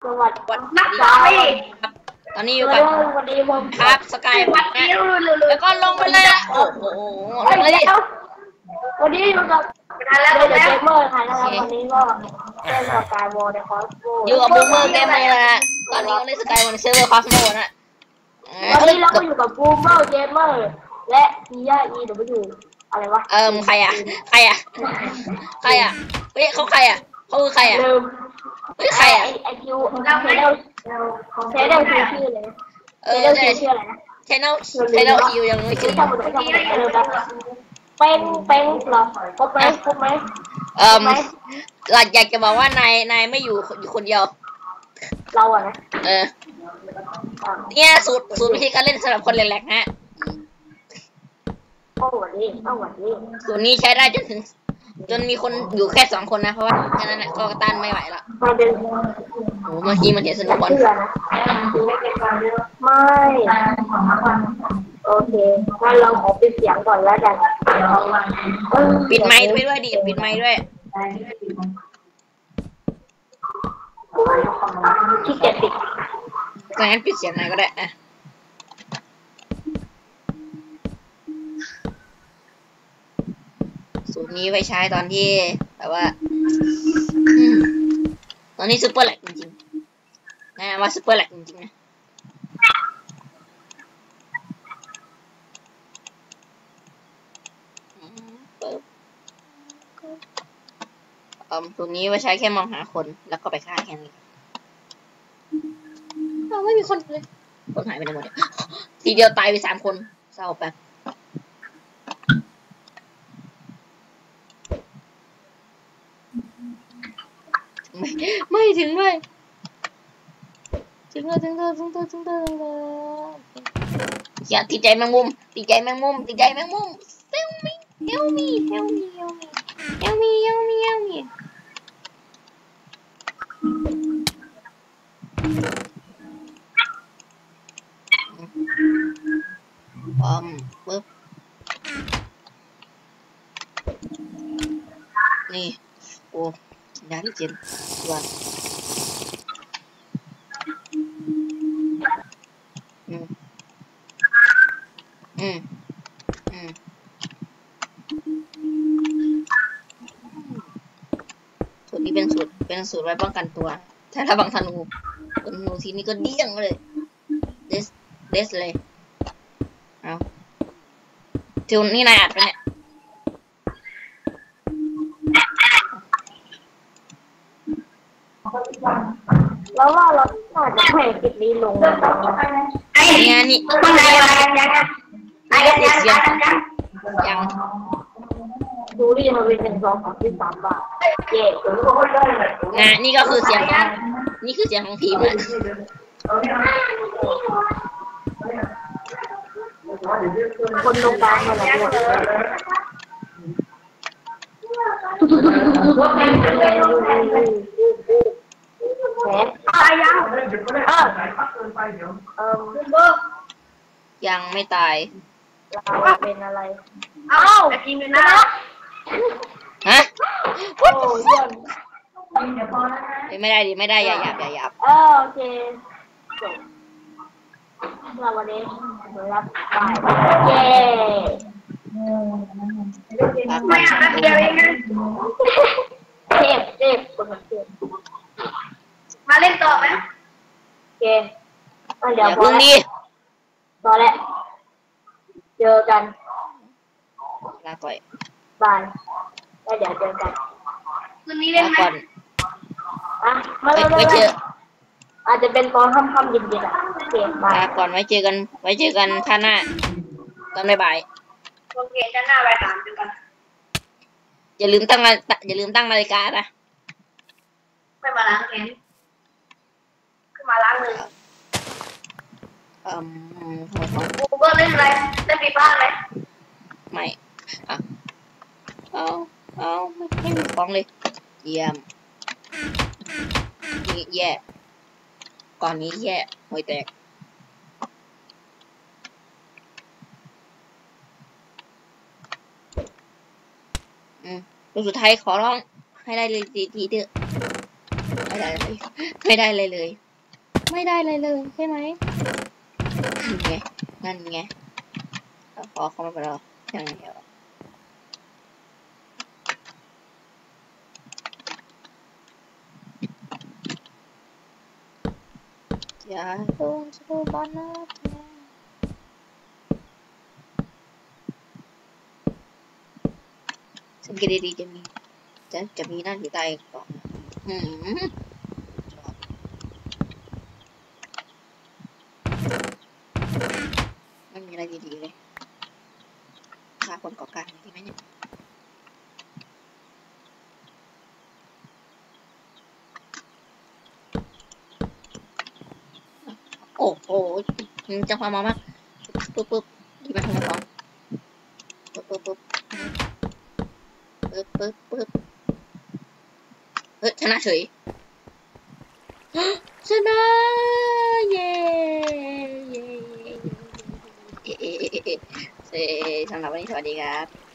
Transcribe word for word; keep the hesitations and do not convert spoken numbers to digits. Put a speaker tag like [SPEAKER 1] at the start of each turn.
[SPEAKER 1] วัสดีครับตอนนี้อยู่กับครับสกายแล้วก็ลงไปเลยโอ้โหลงเลย
[SPEAKER 2] วันนี้อยู่กับเดอะเกมเมอร์ค่ะนะครับวันนี้ก็เล่นสกายวอลในคอสโม
[SPEAKER 1] อยู่กับบูมเมอร์เกมเมอร์นะตอนนี้ก็เล่นสกายวอลในเซิร์ฟเวอร์คอสโมนะ
[SPEAKER 2] วันนี้เราก็อยู่กับบูมเมอร์เกมเมอร์และพีย่าอีเดี๋ยวไปดูอะไรวะ
[SPEAKER 1] เอิมใครอ่ะใครอ่ะใครอ่ะเฮ้ยเขาใครอ่ะเขาคือใครอ่ะเฮ้ยใครอ่ะ
[SPEAKER 2] ไอคิวเราเทเดลเทเดลชื่อชื่อเลยเทเดลชื่ออะไรนะ
[SPEAKER 1] เทเดลเทเดลคิวยังไม่ชื่อ
[SPEAKER 2] ทำมันทำมันเร็วแบบเป็นเป็นหรอครบไหมครบไหม
[SPEAKER 1] เอ่อหลักอยากจะบอกว่านายนายไม่อยู่อยู่คนเดียว
[SPEAKER 2] เราอะนะ
[SPEAKER 1] เออเนี่ยสูตรสูตรวิธีการเล่นสำหรับคนแหลกๆฮะ
[SPEAKER 2] โอ้วันนี้โอ้วันนี้
[SPEAKER 1] สูตรนี้ใช้ได้จนถึงจนมีคนอยู่แค่สองคนนะเพราะว่าแค่นั้นก็ต้านไม่ไหวละโอ้เมื่อกี้มันเห็นสนุกบอล
[SPEAKER 2] ไม่โอเคงั้นเราขอปิดเสียงก่อนแล้วกัน
[SPEAKER 1] ปิดไมค์ไปด้วยดิปิดไมค์ด้วย
[SPEAKER 2] ที่เจ็ดปิด
[SPEAKER 1] งั้นปิดเสียงไหนก็ได้อะสูตรนี้ไว้ใช้ตอนที่แบบว่าตอนนี้ซุปเปอร์แหลกจริงๆนะว่าซุปเปอร์แหลกจริงๆนะเอ่อสูตรนี้ไว้ใช้แค่มองหาคนแล้วก็ไปฆ่าแค่นี้เราไม่มีคนเลยคนหายไปไหนหมดเนี่ยทีเดียวตายไปสามคนเศร้าแป๊บไม่ไม่ถึงด้วยถึงแล้วถึงแล้วถึงแล้วถึงแล้วถึงแล้วอย่าติดใจแมงมุมติดใจแมงมุมติดใจแมงมุม help me help me help me help me help me help me help me อืมปึ๊บนี่โอ้ยาที่เจ็ดวันอืมอืมอืมสูตรนี้เป็นสูตรเป็นสูตรไว้ป้องกันตัวถ้าระวังธนูธนูทีนี้ก็เดี้ยงเลยเดสเดสเลยเอาทิวนี่นายอัดไปเนี่ย
[SPEAKER 2] แล้วว่าเราอาจจะแข่งคลิปนี้ลง
[SPEAKER 1] เนี่ยนี่ไอ้เสียงยัง
[SPEAKER 2] ดูดิมันเป็นหนึ่งสองสามสี่สามบาทเย่
[SPEAKER 1] นะนี่ก็คือเสียงของนี่คือเสียงของผีมัน
[SPEAKER 2] คนตรงกลางมาแล้วตายยังเออเออ
[SPEAKER 1] ยังไม่ตาย
[SPEAKER 2] เราเป็นอะไรเอ้าจริงเลยนะ
[SPEAKER 1] ฮะ
[SPEAKER 2] โอ้
[SPEAKER 1] ยไม่ได้ดิไม่ได้อย่าหยาบอย่าหยาบ
[SPEAKER 2] เออโอเคจบเราวันนี้รับเย้ไม่อ่านเดียวเองนะเทพเทพคนละเทพมาเล่นต่อไหมโอเคเดี๋ยวพอแล้วพอแล้วเจอกัน
[SPEAKER 1] ลาก่อย
[SPEAKER 2] บายแล้วเดี๋ยวเจอกันคืนนี้เล่นไหมอ่ะไม่ไม่เจออาจจะเป็นตอนค่ำๆเย็นๆอ่ะโอเคบาย
[SPEAKER 1] ลาก่อนไว้เจอกันไว้เจอกันท่าหน้าตอนบ่าย
[SPEAKER 2] โอเคท่าหน้าบ่ายสามเจอกัน
[SPEAKER 1] อย่าลืมตั้งอย่าลืมตั้งนาฬิกานะ
[SPEAKER 2] ไม่มาล้างแขนขึ้นมาล้างมือ
[SPEAKER 1] อืม
[SPEAKER 2] กูก็เล่นอะไรเล่นปีบ้านไหม
[SPEAKER 1] ไม่อ่ะเอาเอาไม่ไม่มีของเลยเยี่ยมนี่แย่ก่อนนี้แย่ห่วยแตกอืมตัวสุดท้ายขอร้องให้ได้เลยทีทีเถอะไอ้ไม่ได้เลยไม่ได้เลยเลยไม่ได้เลยเลยใช่ไหมนั่นไงนั่นไงพอเขามาไปแล้วอย่างเดียวอย่าโดนสกูบอลนะสังเกตดีๆจะมีจะจะมีนั่นอยู่ใต้กล่องอืมไม่มีอะไรดีๆเลยฆ่าคนก่อการดีไหมเนี่ยโอ้โหจังหวะมามากปุ๊บปุ๊บดีมากเลยครับปุ๊บปุ๊บปุ๊บปุ๊บปุ๊บปุ๊บเฮ้ยชนะเฉยชนะเย้เย้เย้เย้สำหรับวันนี้สวัสดีครับ